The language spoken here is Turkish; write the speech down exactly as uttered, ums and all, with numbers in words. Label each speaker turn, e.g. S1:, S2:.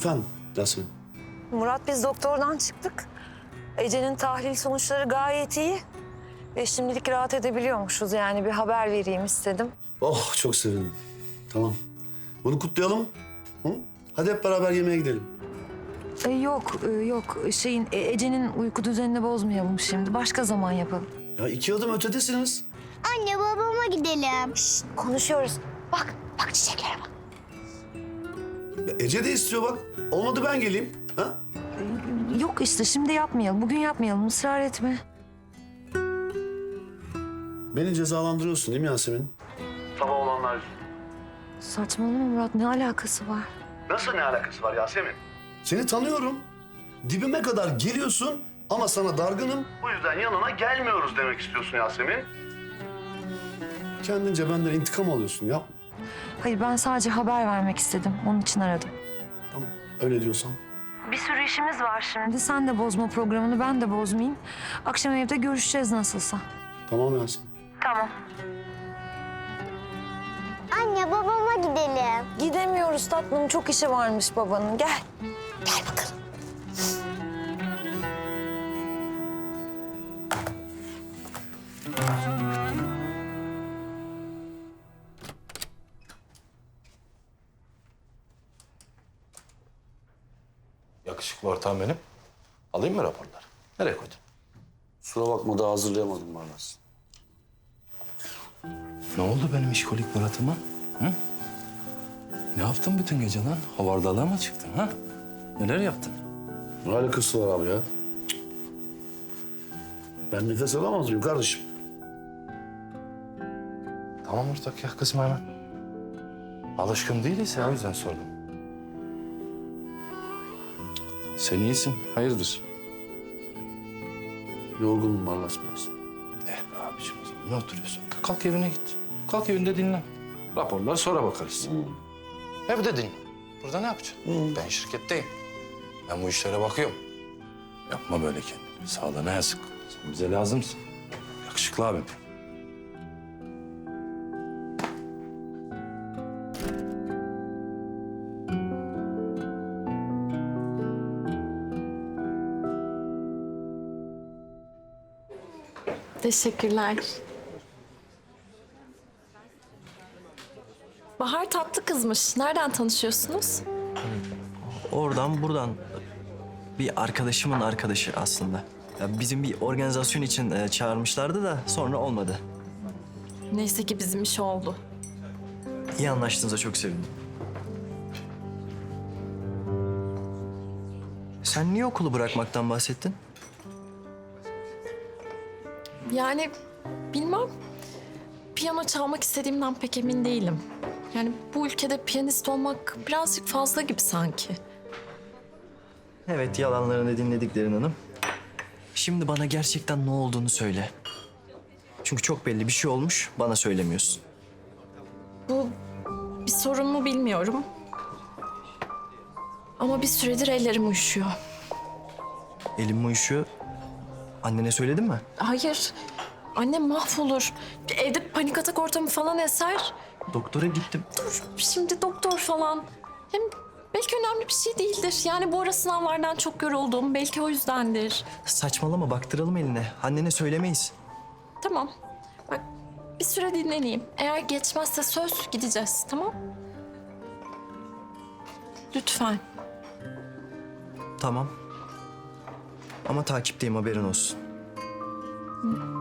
S1: Efendim Yasemin?
S2: Murat, biz doktordan çıktık. Ece'nin tahlil sonuçları gayet iyi. Ve şimdilik rahat edebiliyormuşuz, yani bir haber vereyim istedim.
S1: Oh çok sevindim. Tamam. Bunu kutlayalım. Hı? Hadi hep beraber yemeğe gidelim.
S2: E, yok, e, yok. Şeyin, e, Ece'nin uyku düzenini bozmayalım şimdi. Başka zaman yapalım.
S1: Ya iki adım ötedesiniz.
S3: Anne babama gidelim.
S2: Şişt, konuşuyoruz. Bak, bak çiçeklere bak.
S1: Ya Ece de istiyor bak. Olmadı ben geleyim. Ha?
S2: E, yok işte, şimdi yapmayalım. Bugün yapmayalım, ısrar etme.
S1: Beni cezalandırıyorsun değil mi Yasemin? Sabah olanlar.
S2: Saçmalama Murat, ne alakası var?
S1: Nasıl ne alakası var Yasemin? Seni tanıyorum. Dibime kadar geliyorsun ama sana dargınım. Bu yüzden yanına gelmiyoruz demek istiyorsun Yasemin. Kendince benden intikam alıyorsun, yapma.
S2: Hayır, ben sadece haber vermek istedim. Onun için aradım.
S1: Tamam, öyle diyorsan.
S2: Bir sürü işimiz var şimdi. Sen de bozma programını, ben de bozmayayım. Akşam evde görüşeceğiz nasılsa.
S1: Tamam Yasemin.
S2: Tamam.
S3: Anne babama gidelim.
S2: Gidemiyoruz tatlım. Çok işi varmış babanın. Gel. Gel bakalım.
S4: Yakışıklı ortağım benim. Alayım mı raporları? Nereye koydun?
S1: Kusura bakma daha hazırlayamadım Barlas.
S4: Ne oldu benim işkolik Murat'ıma? Hı? Ne yaptın bütün gece lan? Havardalığa mı çıktın ha? Neler yaptın?
S1: Ne alakası var abi ya? Cık. Ben nefes alamaz mıyım kardeşim?
S4: Tamam ortak ya kızma hemen. Alışkın değiliz ya o yüzden sordum. Sen iyisin, hayırdır?
S1: Yorgunum Barlas biraz.
S4: Eh be abiciğim o zaman ne oturuyorsun? Kalk evine git. Kalk evinde dinlen. Raporlar sonra bakarız. Evde dinlen. Burada ne yapacaksın? Ben şirketteyim. Ben bu işlere bakıyorum. Yapma böyle kendini. Sağlığına yazık. Sen bize lazımsın. Yakışıklı abim.
S5: Teşekkürler. Bahar tatlı kızmış. Nereden tanışıyorsunuz?
S6: Oradan buradan bir arkadaşımın arkadaşı aslında. Ya bizim bir organizasyon için e, çağırmışlardı da sonra olmadı.
S5: Neyse ki bizim iş oldu.
S6: İyi anlaştığınıza çok sevindim. Sen niye okulu bırakmaktan bahsettin?
S5: Yani bilmem. Piyano çalmak istediğimden pek emin değilim. Yani bu ülkede piyanist olmak birazcık fazla gibi sanki.
S6: Evet, yalanlarını dinledik Derin Hanım. Şimdi bana gerçekten ne olduğunu söyle. Çünkü çok belli bir şey olmuş, bana söylemiyorsun.
S5: Bu bir sorun mu bilmiyorum. Ama bir süredir ellerim uyuşuyor.
S6: Elim uyuşuyor. Annene söyledin mi?
S5: Hayır. Annem mahvolur. Evde panik atak ortamı falan eser.
S6: Doktora gittim.
S5: Dur şimdi doktor falan. Hem belki önemli bir şey değildir. Yani bu ara sınavlardan çok yoruldum. Belki o yüzdendir.
S6: Saçmalama, baktıralım eline. Annene söylemeyiz.
S5: Tamam. Bak bir süre dinleneyim. Eğer geçmezse söz gideceğiz. Tamam? Lütfen.
S6: Tamam. Ama takipteyim, haberin olsun.
S5: Hı.